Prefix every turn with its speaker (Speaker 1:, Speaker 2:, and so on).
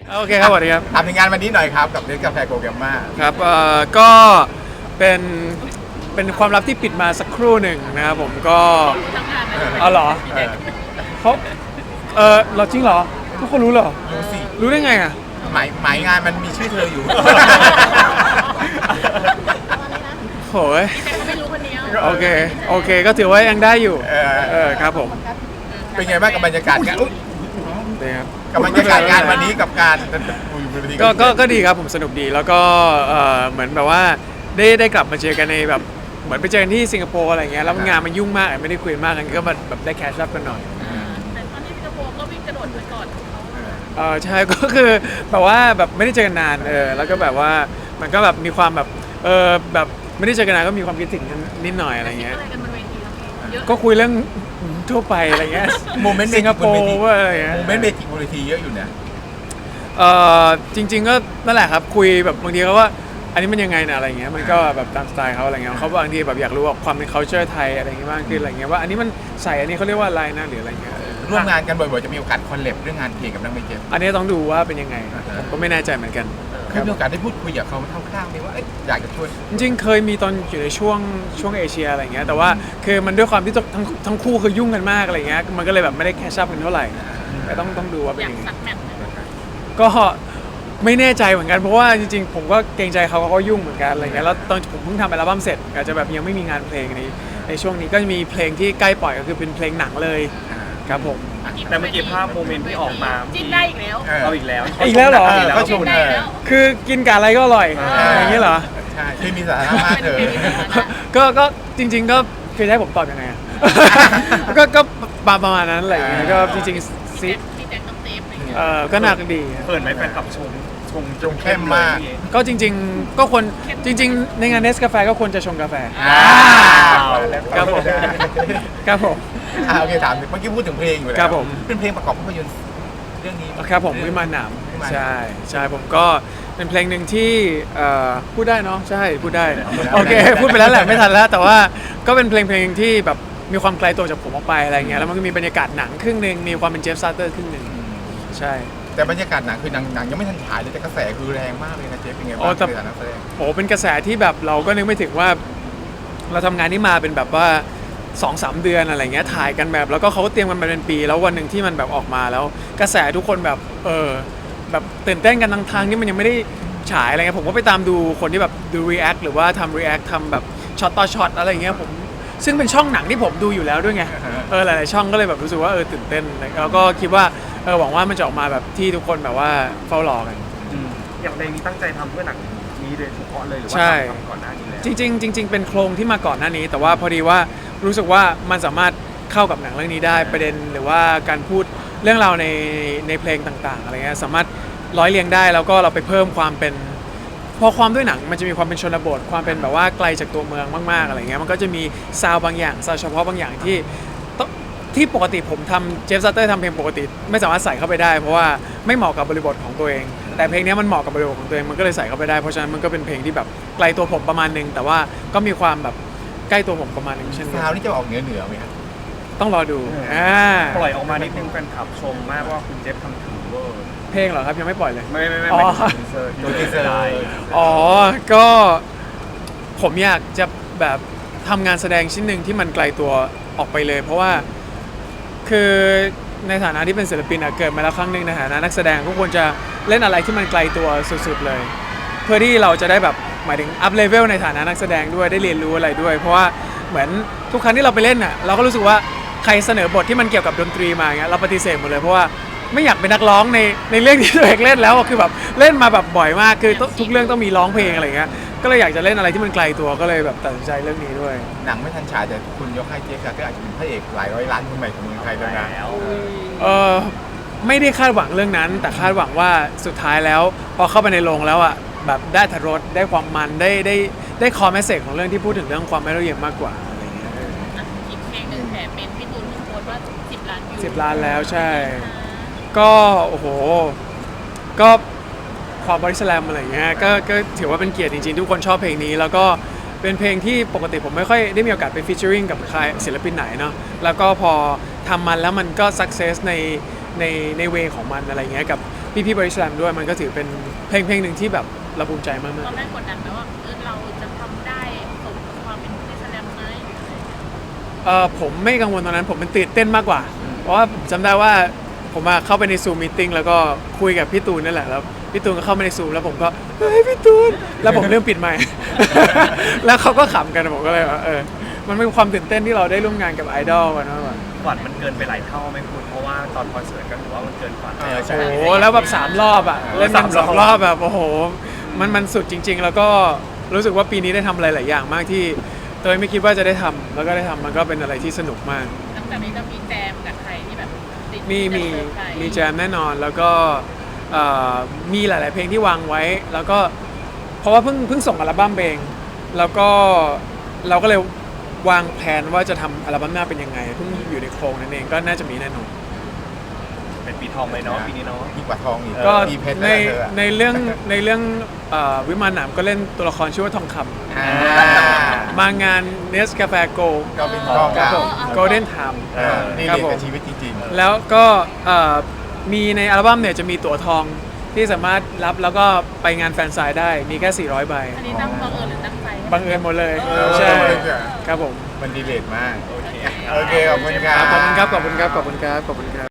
Speaker 1: โอเคครับสวัสดีครับ
Speaker 2: ถามถึงงานวันนี้หน่อยครับกับเนสกาแฟโกแกมมา
Speaker 1: ครับก็เป็นเป็นความลับที่ปิดมาสักครู่หนึ่งนะครับผมก็เอาเหรอเขาเราจริงเหรอทุกคนรู้เหรอ
Speaker 2: รู้สิ
Speaker 1: รู้ได้ไงอ่ะ
Speaker 2: หมายงานมันมีชื่อเธออยู่
Speaker 1: โหยโอเคก็ถือว่ายังได้อยู่ครับผม
Speaker 2: เป็นไงบ้างกับบรรยากาศงาน
Speaker 1: ดีครับ
Speaker 2: กับบรรยากาศงานวันนี้กับการ
Speaker 1: ก็ดีครับผมสนุกดีแล้วก็เหมือนแบบว่าได้กลับมาเจอกันในแบบเหมือนไปเจอกันที่สิงคโปร์อะไรเงี้ยแล้วงานมันยุ่งมากไม่ได้คุยมากกันก็มาแบบได้แคชชัพกันหน่อย
Speaker 3: แต่ตอนที่สิงคโปร์ก็วิ่งกระโดดไปก่อน
Speaker 1: ใช่ก็คือแบบว่าแบบไม่ได้เจอกันนานแล้วก็แบบว่ามันก็แบบมีความแบบแบบไม่ได้เจอกันนานก็มีความคิดถึงกันนิดหน่อยอะไรเงี้ยก็คุยเรื่องทั่วไปอะไรเงี้ย
Speaker 2: โมเมนต์
Speaker 1: สิงคโปร์อะไรเงี้ย
Speaker 2: โมเมนต์เมจิกโมเมนต์เยอะอยู่เนี่ย
Speaker 1: จริงๆก็นั่นแหละครับคุยแบบบางทีเขาว่าอันนี้มันยังไงนะอะไรเงี้ยมันก็แบบตามสไตล์เขาอะไรเงี้ยเขาบางทีแบบอยากรู้ว่าความเป็น culture ไทยอะไรเงี้ยมากขึ้นอะไรเงี้ยว่าอันนี้มันใส่อันนี้เขาเรียกว่าอะไรนะหรืออะไรเงี้ย
Speaker 2: ร่วมงานกันบ่อยๆจะมีโอกาสคอลแลบเรื่องงานเพลงกับนักเมจิก
Speaker 1: อันนี้ต้องดูว่าเป็นยังไงผมก็ไม่แน่ใจเหมือนกัน
Speaker 2: เคยมีโอกาสได้พูดคุยกับเขาคร่าวๆไหมว่าอยากจะช่วย
Speaker 1: จริงๆเคยมีตอนอยู่ในช่วงเอเชียอะไรเงี้ยแต่ว่าคือมันด้วยความที่ทั้งคู่คือยุ่งกันมากอะไรเงี้ยมันก็เลยแบบไม่ได้แคชชัพกันเท่าไหร่แต่ต้องดูว่าเป็นยังไงก็ไม่แน่ใจเหมือนกันเพราะว่าจริงๆผมก็เกรงใจเขาก็ยุ่งเหมือนกันอะไรเงี้ยแล้วตอนผมเพิ่งทำอัลบั้มเสร็จอาจจะแบบยังไม่มีงานเพลงในช่วงนี้ก็จะมีเพลงที่ใกล้ปล่อยก็คือเป็นเพลงหนังเลยครับผม
Speaker 4: แต่เมื่อกี้ภาพโมเมนต์ที่ออกมา
Speaker 3: จิ้นได้อีกแล้ว
Speaker 4: เอาอีกแล้ว
Speaker 1: เหรอ
Speaker 2: ก็ชม
Speaker 1: คือกินกับอะไรก็อร่อยอย่างนี้เหรอ
Speaker 2: ใช่ที่มีสาระมากเลย
Speaker 1: ก็จริงๆก็คือให้ผมตอบยังไงก็ประมาณนั้นอะไรอย่างเงี้ยก็จริงๆซิก็น่าดี
Speaker 4: เปิดไหมแฟนคลับชง
Speaker 2: เข้มมาก
Speaker 1: ก็จริงๆก็คนจริงๆในงานเนสกาแฟก็ควรจะชงกาแฟครับผมครับผม
Speaker 2: โอเคถามเมื่อกี้พูดถึงเพลงอยู่แล้ว
Speaker 1: ครับผม
Speaker 2: เป็นเพลงประกอบภาพยนตร์เรื่องนี้
Speaker 1: ครับผมวิมานหนามใช่ผมก็เป็นเพลงหนึ่งที่พูดได้เนาะใช่พูดได้โอเคพูดไปแล้วแหละไม่ทันแล้วแต่ว่าก็เป็นเพลงที่แบบมีความไกลตัวจากผมออกไปอะไรเงี้ยแล้วมันก็มีบรรยากาศหนังครึ่งนึงมีความเป็นเจฟซาเตอร์ครึ่งนึงใช่
Speaker 2: แต่บรรยากาศหนังคือหนังยังไม่ทันฉายเลยแต่กระแสคือแรงมากเลยนะเจฟเป็นไงบ้างในฐานะนักแสดง
Speaker 1: โอ้เป็นกระแสที่แบบเราก็นึกไม่ถึงว่าเราทำงานนี้มาเป็นแบบว่า 2-3 เดือนอะไรเงี้ยถ่ายกันแบบแล้วก็เขาก็เตรียมกันมาเป็นปีแล้ววันหนึ่งที่มันแบบออกมาแล้วกระแสทุกคนแบบแบบตื่นเต้นกันทางที่มันยังไม่ได้ฉายอะไรเงี้ยผมก็ไปตามดูคนที่แบบดู react หรือว่าทำ react ทำแบบช็อตต่อช็อตอะไรเงี้ยผมซึ่งเป็นช่องหนังที่ผมดูอยู่แล้วด้วยไงหลายๆช่องก็เลยแบบรู้สึกว่าตื่นเต้นแล้วก็คิดว่าหวังว่ามันจะออกมาแบบที่ทุกคนแบบว่าเฝ้ารอกัน
Speaker 4: อย่างเพลงนี้ตั้งใจทำเพื่อหนังนี้โดยเฉพาะเลยหรือว่าทำก่อนหน้านี้แล้ว
Speaker 1: จริงเป็นโครงที่มาก่อนหน้านี้แต่ว่าพอดีว่ารู้สึกว่ามันสามารถเข้ากับหนังเรื่องนี้ได้ประเด็นหรือว่าการพูดเรื่องราวในเพลงต่างๆอะไรเงี้ยสามารถร้อยเรียงได้แล้วก็เราไปเพิ่มความเป็นพอความด้วยหนังมันจะมีความเป็นชนบทความเป็นแบบว่าไกลจากตัวเมืองมากๆอะไรเงี้ยมันก็จะมีซาวบางอย่างซาวเฉพาะบางอย่างที่ปกติผมทำเจฟซัตเตอร์ทำเพลงปกติไม่สามารถใส่เข้าไปได้เพราะว่าไม่เหมาะกับบริบทของตัวเองแต่เพลงนี้มันเหมาะกับบริบทของตัวเองมันก็เลยใส่เข้าไปได้เพราะฉะนั้นมันก็เป็นเพลงที่แบบไกลตัวผมประมาณนึงแต่ว่าก็มีความแบบใกล้ตัวผมประมาณนึงเช่นกัน
Speaker 2: ซาวนี่จะออกเหนือไหมครับ
Speaker 1: ต้องรอดู
Speaker 4: ปล่อยออกมานิดนึงแฟนคลับชมมากว่าคุณเจฟทำถึงเวอร์
Speaker 1: เพลงเหรอครับยังไม่ปล่อยเลย
Speaker 4: ไม่
Speaker 2: ตัวทีเซอร์
Speaker 1: ก็ผมอยากจะแบบทำงานแสดงชิ้นหนึ่งที่มันไกลตัวออกไปเลยเพราะว่าคือในฐานะที่เป็นศิลปินเกิดมาแล้วครั้งหนึ่งในฐานะนักแสดงก็ควรจะเล่นอะไรที่มันไกลตัวสุดๆเลยเพื่อที่เราจะได้แบบหมายถึงอัพเลเวลในฐานะนักแสดงด้วยได้เรียนรู้อะไรด้วยเพราะว่าเหมือนทุกครั้งที่เราไปเล่นเราก็รู้สึกว่าใครเสนอบทที่มันเกี่ยวกับดนตรีมาเงี้ยเราปฏิเสธหมดเลยเพราะว่าไม่อยากเป็นนักร้องในเรื่องที่ตัวเองเล่นแล้วคือแบบเล่นมาแบบบ่อยมากคือทุกเรื่องต้องมีร้องเพลงอะไรเงี้ยก็เลยอยากจะเล่นอะไรที่มันไกลตัวก็เลยแบบตัดสินใจเรื่องนี้ด้วย
Speaker 2: หนังไม่ทันฉายแต่คุณยกให้เจฟก็อาจจะเป็นพระเอกหลายร้อยล้านคนใหม่ของเมืองไทยแล้ว
Speaker 1: ไม่ได้คาดหวังเรื่องนั้นแต่คาดหวังว่าสุดท้ายแล้วพอเข้าไปในโรงแล้วแบบได้อรรถรสได้ความมันได้คอมเมสเซจของเรื่องที่พูดถึงเรื่องความไม่ละเอียดมากกว่าอะไรเงี้ย
Speaker 3: อีกเพลงหนึ่งแถมเป็นพี่ตูนเพิ่งโพสต์ว่า10 ล้านวิว
Speaker 1: 10 ล้านแล้วใช่ก็โอ้โหก็ความบริสแลมอะไรเงี้ยก็ถือว่าเป็นเกียรติจริงๆทุกคนชอบเพลงนี้แล้วก็เป็นเพลงที่ปกติผมไม่ค่อยได้มีโอกาสไปฟีเจอริงกับใครศิลปินไหนเนาะแล้วก็พอทำมันแล้วมันก็สักเซสในเวของมันอะไรเงี้ยกับพี่ๆบริษัทด้วยมันก็ถือเป็นเพลงหนึ่งที่แบบเราภูมิใจมาก
Speaker 3: ตอนแรกกดดันไหมว่าเราจะทำได้สมกับความเป็นนักแสดงไหม
Speaker 1: ๆผมไม่กังวลตอนนั้นผมเป็นตื่นเต้นมากกว่า เพราะว่าผมจำได้ว่าผมเข้าไปในซูมมีติ้งแล้วก็คุยกับพี่ตูนนั่นแหละแล้วพี่ตูนก็เข้ามาในซูมแล้วผมก็เฮ้ยพี่ตูนแล้วผมเริ่มปิดไมค์ แล้วเขาก็ขำกันผมก็เลยว่ามันเป็นความตื่นเต้นที่เราได้ร่วมงานกับไอดอลกันมากกว่า
Speaker 4: ฝันมันเกินไปหลายเท่าไหมคุณเพราะว่าตอนคอนเสิร์ตก็ถือว่ามันเกินฝัน
Speaker 2: ใช่
Speaker 1: โอ้โหแล้วแบบ3 รอบอ่ะเล่นมัน2 รอบแบบโอ้โหมันสุดจริง ๆ แล้วก็รู้สึกว่าปีนี้ได้ทำอะไรหลายอย่างมากที่เตยไม่คิดว่าจะได้ทำแล้วก็ได้ทำมันก็เป็นอะไรที่สนุกมาก
Speaker 3: หลังจากนี้จะมีแจมกับใครที่แบบติด
Speaker 1: มี
Speaker 3: จะเซอร์ไพรส์
Speaker 1: มีแจมแน่นอนแล้วก็มีหลาย ๆ เพลงที่วางไว้แล้วก็เพราะว่าเพิ่งส่งอัลบั้มเองแล้วก็เราก็เลยวางแผนว่าจะทำอัลบั้มหน้าเป็นยังไงเพิ่งอยู่ในโครงนั่นเองก็น่าจะมีแน่นอน
Speaker 4: เป็นปีทองเลยเนาะปีนี้เนาะ
Speaker 2: ยิ่งกว่าทองอีก
Speaker 1: ก็
Speaker 2: มีเพชร
Speaker 1: ใน
Speaker 2: แล้วเธออะ
Speaker 1: ในเรื่องวิมานหนามก็เล่นตัวละครชื่อว่าทองค
Speaker 2: อ่า
Speaker 1: ำมางานเนสกาแฟโก
Speaker 2: ก็เป็นทอง
Speaker 1: ครับ
Speaker 2: เก่า
Speaker 1: ผม Golden Time
Speaker 2: นี่
Speaker 1: ครับ
Speaker 2: เรียน
Speaker 1: ผม
Speaker 2: กับชีวิตจริงๆ
Speaker 1: แล้วก็มีในอัลบั้มเนี่ยจะมีตั๋วทองที่สามารถรับแล้วก็ไปงานแฟนไซน์ได้มีแค่400 ใบ
Speaker 3: อันนี้ตั้งบังเอิญหรือตั้งใจ
Speaker 1: บังเอิญหมดเลย
Speaker 2: ใช่
Speaker 1: ใช่ครับผม
Speaker 2: มันดีเลทมาก
Speaker 3: โอเค
Speaker 2: โอเค ขอบคุณครั
Speaker 1: ขอบคุณครับ ขอบคุณครับ ขอบคุณครับ ขอบคุณครับ